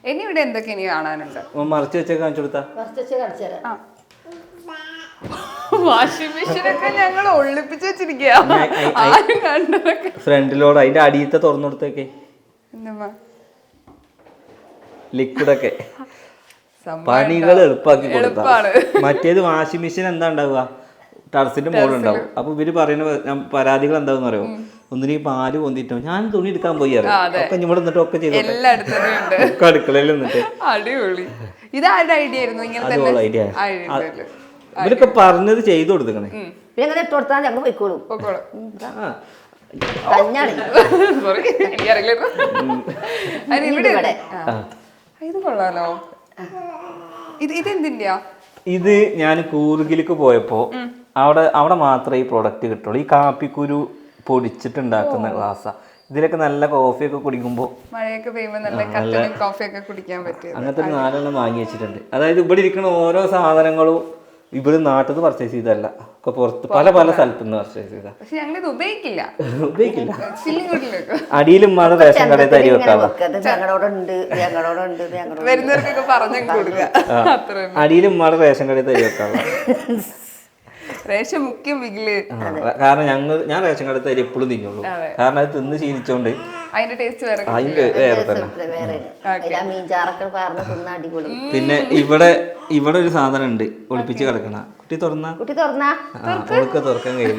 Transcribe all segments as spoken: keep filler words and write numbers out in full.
ഇനി ഇവിടെ എന്തൊക്കെ ഇനി കാണാനുണ്ട്? മറച്ചു വെച്ച കാണിച്ചു കൊടുത്താ വാഷിംഗ് മെഷീനൊക്കെ ഞങ്ങൾ ഒളിപ്പിച്ച് വെച്ചിരിക്കുക. ഫ്രണ്ടിലോട് അതിന്റെ അടിയത്തെ തുറന്നു കൊടുത്തേക്കെ ലിക്വിഡൊക്കെ പണികൾ എളുപ്പമാക്കി കൊടുത്താ. മറ്റേത് വാഷിംഗ് മെഷീൻ എന്താ ഉണ്ടാവുക, ടെറസിന്റെ മുകളിൽ ഉണ്ടാവും. അപ്പൊ ഇവര് പറയുന്ന പരാതികൾ എന്താന്ന് അറിയോ, ഒന്നിനും പാല് പൊന്തിട്ടോ ഞാൻ തുണി എടുക്കാൻ പോയി ഒക്കെ ഇവിടെ നിന്നിട്ട് ഒക്കെ ചെയ്തു ഒക്കെ അടുക്കളയിൽ നിന്നിട്ട്. അടിപൊളി. ഇതാരുടെ ഐഡിയ ആയിരുന്നു? അതുപോലെ ഐഡിയ ഇവരൊക്കെ പറഞ്ഞത് ചെയ്തു കൊടുത്തേ. ഇത് കൊള്ളാലോ. ഇത് ഇതെന്തിന്റെയാ? ഇത് ഞാൻ കൂർഗിലേക്ക് പോയപ്പോ അവിടെ അവിടെ മാത്രമേ ഈ പ്രൊഡക്റ്റ് കിട്ടുള്ളൂ. ഈ കാപ്പിക്കുരു പൊടിച്ചിട്ടുണ്ടാക്കുന്ന ഗ്ലാസ്സാ. ഇതിലൊക്കെ നല്ല കോഫിയൊക്കെ കുടിക്കുമ്പോൾ മഴയൊക്കെ പെയ്യുമ്പോൾ നല്ല കട്ടനും കോഫിയൊക്കെ കുടിക്കാൻ പറ്റും. അങ്ങനത്തെ ഒരു നാലെണ്ണം വാങ്ങി വെച്ചിട്ടുണ്ട്. അതായത് ഇവിടെ ഇരിക്കുന്ന ഓരോ സാധനങ്ങളും ഇവിടെ നാട്ടിൽ നിന്ന് പർച്ചേസ് ചെയ്തല്ല, ഒക്കെ പുറത്ത് പല പല സ്ഥലത്തു നിന്ന് പർച്ചേസ് ചെയ്താ. പക്ഷെ ഞങ്ങൾ ഇത് ഉപയോഗിക്കില്ല ഉപയോഗിക്കില്ല അടിയിലും മഴ റേഷൻ കടയിൽ തരി വെക്കാതെ വരുന്നവർക്കൊക്കെ പറഞ്ഞു കൊടുക്കുക. അടിയിലും മഴ റേഷൻ കടയിൽ തരി വെക്കാതെ റേഷൻ മുഖ്യം വിഗില്. കാരണം ഞങ്ങൾ ഞാൻ റേഷൻ കടയിൽ തരി എപ്പോഴും തിന്നുള്ളൂ. കാരണം അത് തിന്ന് ശീലിച്ചോണ്ട് അതിന്റെ ടേസ്റ്റ് വേറെ അതിന്റെ വേറെ തന്നെ. പിന്നെ ഇവിടെ ഇവിടെ ഒരു സാധനം ഉണ്ട് ഒളിപ്പിച്ച് കിടക്കണ. കുട്ടി തുറന്ന കുട്ടി തുറന്ന തുറക്കാൻ കഴിയില്ല.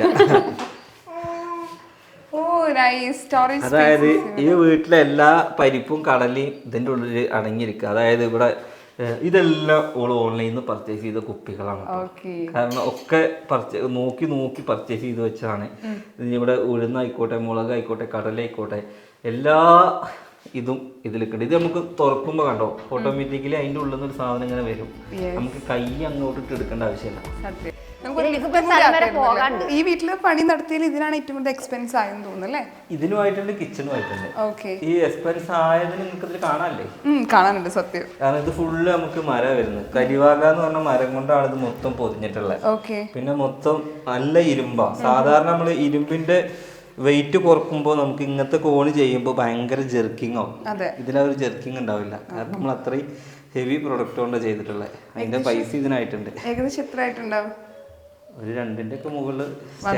അതായത് ഈ വീട്ടിലെ എല്ലാ പരിപ്പും കടലയും ഇതിന്റെ ഉള്ളിൽ അടങ്ങിയിരിക്കുക. അതായത് ഇവിടെ ഇതെല്ലാം ഓള് ഓൺലൈനിൽ നിന്ന് പർച്ചേസ് ചെയ്ത കുപ്പികളാണ്. കാരണം ഒക്കെ പർച്ചേസ് നോക്കി നോക്കി പർച്ചേസ് ചെയ്ത് വെച്ചതാണ്. ഇവിടെ ഉഴുന്നായിക്കോട്ടെ, മുളകായിക്കോട്ടെ, കടലായിക്കോട്ടെ, എല്ലാ ഇതും ഇതിലേക്കുണ്ട്. ഇത് നമുക്ക് തുറക്കുമ്പോൾ കണ്ടോ ഓട്ടോമാറ്റിക്കലി അതിൻ്റെ ഉള്ളിൽ നിന്ന് ഒരു സാധനം ഇങ്ങനെ വരും. നമുക്ക് കൈ അങ്ങോട്ടിട്ട് എടുക്കേണ്ട ആവശ്യമില്ല. ഈ വീട്ടില് പണി നടത്തിയാൽ ഇതിനാണ് ഏറ്റവും കൂടുതൽ എക്സ്പെൻസ് ആയെന്ന് തോന്നുന്നു അല്ലേ? ഇതിനുമായിട്ടുണ്ട്, കിച്ചണുമായിട്ടുണ്ട്. ഈ എക്സ്പെൻസ് ആയതിന് നിങ്ങൾക്ക് ഇതിൽ കാണാനല്ലേ? കാണാനുണ്ട് സത്യം. കാരണം ഇത് ഫുള്ള് നമുക്ക് മരം വരുന്നത്. കരിവാക എന്ന് പറഞ്ഞ മരം കൊണ്ടാണ് ഇത് മൊത്തം പൊതിഞ്ഞിട്ടുള്ളത്. പിന്നെ മൊത്തം നല്ല ഇരുമ്പാ. സാധാരണ നമ്മള് ഇരുമ്പിന്റെ വെയിറ്റ് കുറക്കുമ്പോൾ നമുക്ക് ഇങ്ങനത്തെ കോണ് ചെയ്യുമ്പോൾ ഭയങ്കര ജെർക്കിങ് ആവും. ഇതിലാ ഒരു ജെർക്കിങ് ഉണ്ടാവില്ല. കാരണം നമ്മൾ അത്രയും ഹെവി പ്രൊഡക്റ്റ് കൊണ്ടാണ് ചെയ്തിട്ടുള്ളത്. അതിന്റെ പൈസ ഇതിനായിട്ടുണ്ട്. ഏകദേശം എത്ര ആയിട്ടുണ്ടാവും? ഒരു രണ്ടിന്റെ ഒക്കെ മുകളിൽ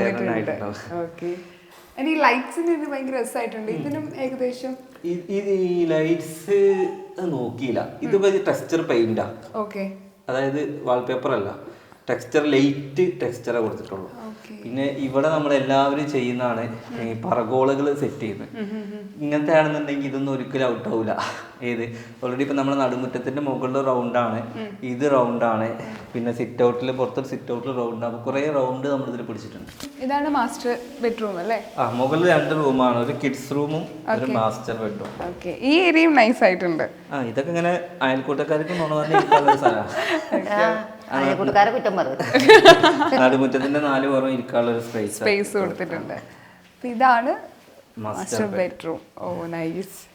ഈ ലൈറ്റ്സ് നോക്കിയില്ല. ഇത് ടെക്സ്ചർ പെയിന്റാ. അതായത് വാൾപേപ്പർ അല്ല, ടെക്സ്ചർ ലൈറ്റ് ടെക്സ്ചറാ കൊടുത്തിട്ടുള്ളൂ. പിന്നെ ഇവിടെ നമ്മൾ എല്ലാവരും ചെയ്യുന്നതാണ് ഈ പറഗോളകൾ സെറ്റ് ചെയ്യുന്നത്. ഇങ്ങനത്തെ ആണെന്നുണ്ടെങ്കിൽ ഇതൊന്നും ഒരിക്കലും ഔട്ട് ആവില്ല. ഏത് ഓൾറെഡി ഇപ്പൊ നമ്മുടെ നടുമുറ്റത്തിന്റെ മുകളിൽ റൗണ്ടാണ്, ഇത് റൗണ്ടാണ്. പിന്നെ സിറ്റ് ഔട്ടിൽ പുറത്തൊരു സിറ്റ് ഔട്ടിൽ റൗണ്ട് ആണ്. കുറെ റൗണ്ട് നമ്മൾ ഇതിൽ പിടിച്ചിട്ടുണ്ട്. ഇതാണ് മാസ്റ്റർ ബെഡ്റൂം അല്ലേ? ആ മുകളിൽ രണ്ട് റൂമാണ്, ഒരു കിഡ്സ് റൂമും ഒരു മാസ്റ്റർ ബെഡ്റൂം. ഈ ഏരിയയും നൈസ് ആയിട്ടുണ്ട്. ആ ഇതൊക്കെ ഇങ്ങനെ അയൽക്കൂട്ടക്കാർക്ക് പറഞ്ഞ നടുമുറ്റത്തിന്റെ നാല് പുറം ഇരിക്കാനുള്ള ഒരു സ്പേസ് സ്പേസ് കൊടുത്തിട്ടുണ്ട്. ഇതാണ് മാസ്റ്റർ ബെഡ്റൂം. ഓ നൈസ്.